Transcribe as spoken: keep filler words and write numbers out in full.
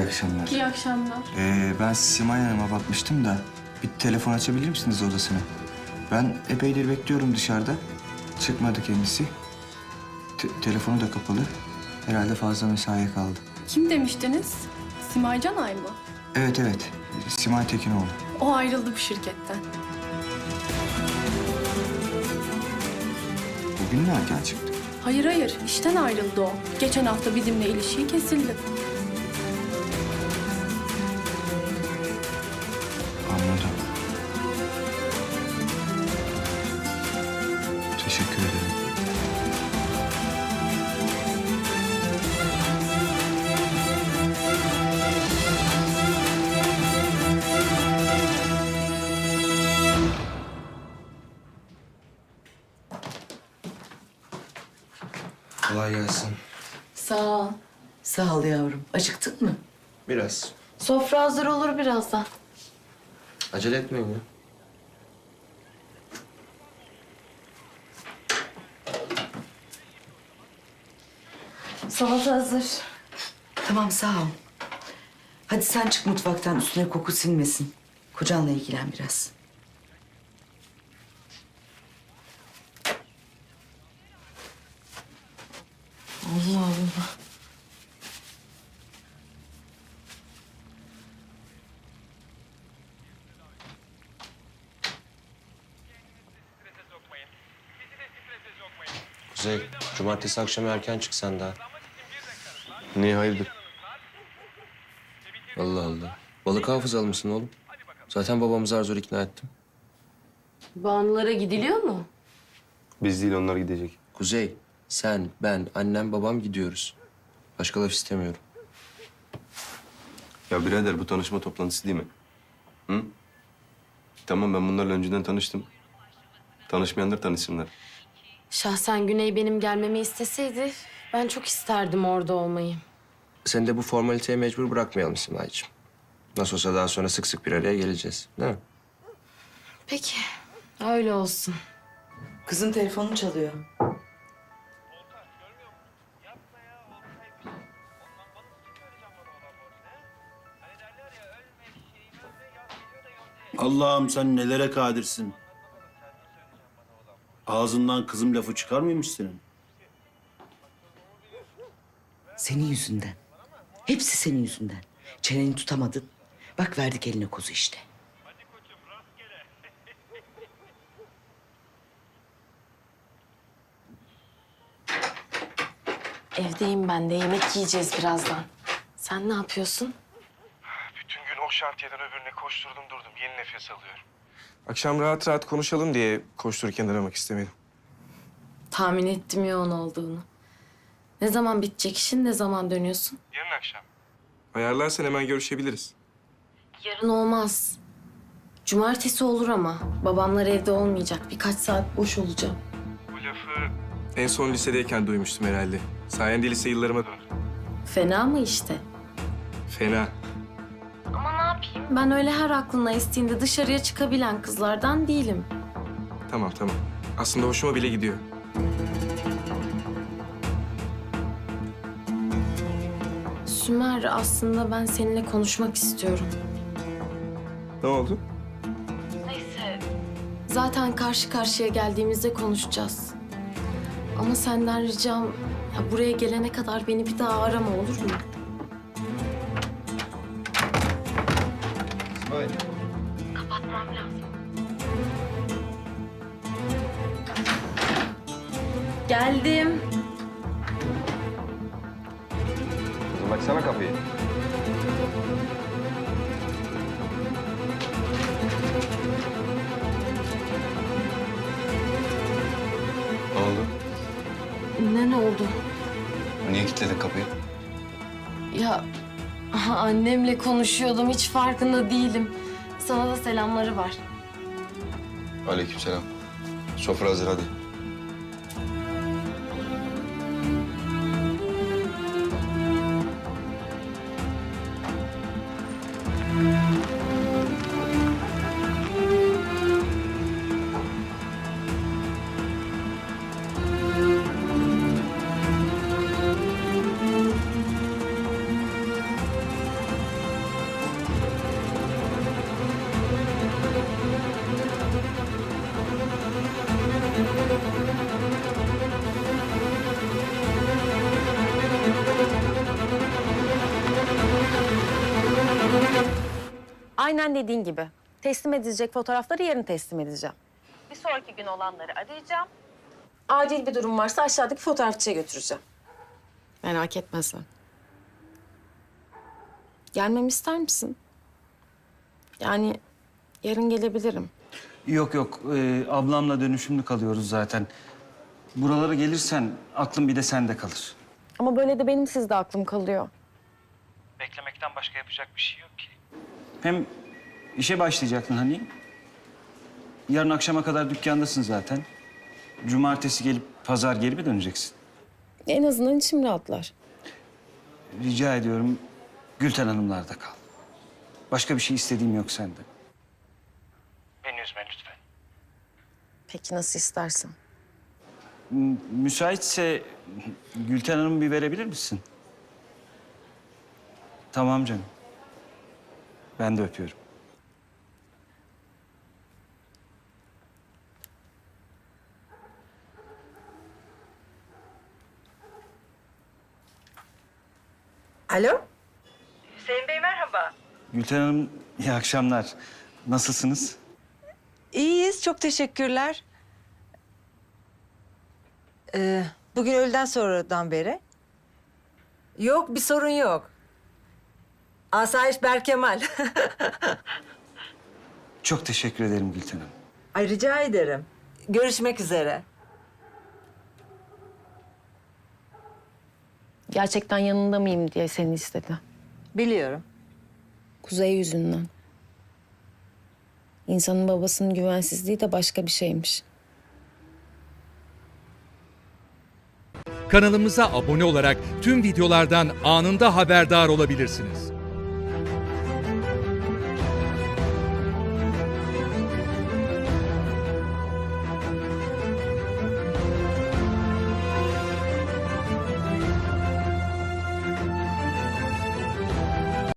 İyi akşamlar. İyi akşamlar. Ee, ben Simay Hanım'a bakmıştım da bir telefon açabilir misiniz odasına? Ben epeydir bekliyorum dışarıda. Çıkmadı kendisi. Te- telefonu da kapalı. Herhalde fazla mesaiye kaldı. Kim demiştiniz? Simay Canay mı? Evet evet. Simay Tekinoğlu. O ayrıldı bu şirketten. Bugün mü erken çıktı? Hayır hayır, işten ayrıldı o. Geçen hafta bizimle ilişiği kesildi. Anladım. Teşekkür ederim. Kolay gelsin. Sağ ol. Sağ ol yavrum. Acıktın mı? Biraz. Sofra hazır olur birazdan. Acele etmeyin ya. Salata hazır. Tamam sağ ol. Hadi sen çık mutfaktan, üstüne koku sinmesin. Kocanla ilgilen biraz. Allah Allah. Kuzey, cumartesi akşamı erken çık sen daha. Niye hayırdır? Allah Allah. Balık hafızalı mısın oğlum? Zaten babamızı zar zor ikna ettim. Banulara gidiliyor mu? Biz değil onlar gidecek. Kuzey, sen, ben, annem, babam gidiyoruz. Başka laf istemiyorum. Ya birader bu tanışma toplantısı değil mi? Hı? Tamam ben bunlarla önceden tanıştım. Tanışmayanlar tanışsınlar. Şahsen Güney benim gelmemi isteseydi ben çok isterdim orada olmayı. Seni de bu formaliteye mecbur bırakmayalım Simay'cığım. Nasıl olsa daha sonra sık sık bir araya geleceğiz, değil mi? Peki, öyle olsun. Kızın telefonu çalıyor. Allah'ım sen nelere kadirsin. Ağzından kızım lafı çıkar mıymış senin? Senin yüzünden. Hepsi senin yüzünden. Çeneni tutamadın. Bak verdik eline kozu işte. Evdeyim ben de, yemek yiyeceğiz birazdan. Sen ne yapıyorsun? Bütün gün o şantiyeden öbürüne koşturdum durdum. Yeni nefes alıyorum. Akşam rahat rahat konuşalım diye koştururken aramak istemedim. Tahmin ettim yoğun olduğunu. Ne zaman bitecek işin, ne zaman dönüyorsun? Yarın akşam. Ayarlarsan hemen görüşebiliriz. Yarın olmaz. Cumartesi olur ama. Babamlar evde olmayacak. Birkaç saat boş olacağım. Bu lafı En son lisedeyken duymuştum herhalde. Sayende lise yıllarıma döndüm. Fena mı işte? Fena. Ama ne yapayım? Ben öyle her aklına estiğinde dışarıya çıkabilen kızlardan değilim. Tamam tamam. Aslında hoşuma bile gidiyor. Sümer, aslında ben seninle konuşmak istiyorum. Ne oldu? Neyse. Zaten karşı karşıya geldiğimizde konuşacağız. Ama senden ricam, ya buraya gelene kadar beni bir daha arama, olur mu? Kapatmam lazım. Geldim. Kızım açsana kapıyı. Ne oldu? Ne ne oldu? Niye kilitledin kapıyı? Ya aha, annemle konuşuyordum, hiç farkında değilim. Sana da selamları var. Aleykümselam. Sofra hazır hadi. Aynen dediğin gibi. Teslim edilecek fotoğrafları yarın teslim edeceğim. Bir sonraki gün olanları arayacağım. Acil bir durum varsa aşağıdaki fotoğrafçıya götüreceğim. Merak etme sen. Gelmemi ister misin? Yani yarın gelebilirim. Yok yok, ee, ablamla dönüşümlü kalıyoruz zaten. Buralara gelirsen aklım bir de sende kalır. Ama böyle de benim sizde aklım kalıyor. Beklemekten başka yapacak bir şey yok ki. Hem işe başlayacaktın hani. Yarın akşama kadar dükkandasın zaten. Cumartesi gelip pazar geri mi döneceksin? En azından içim rahatlar. Rica ediyorum Gülten Hanımlar'da kal. Başka bir şey istediğim yok senden. Beni üzme lütfen. Peki nasıl istersen. M- müsaitse Gülten Hanım'ı bir verebilir misin? Tamam canım. Ben de öpüyorum. Alo? Hüseyin Bey merhaba. Gülten Hanım iyi akşamlar. Nasılsınız? İyiyiz, çok teşekkürler. Ee, bugün öğleden sonradan beri. Yok, bir sorun yok. Asayiş Berkemal. Çok teşekkür ederim Gülten Hanım. Ay rica ederim. Görüşmek üzere. Gerçekten yanında mıyım diye seni istedi. Biliyorum. Kuzey yüzünden. İnsanın babasının güvensizliği de başka bir şeymiş. Kanalımıza abone olarak tüm videolardan anında haberdar olabilirsiniz.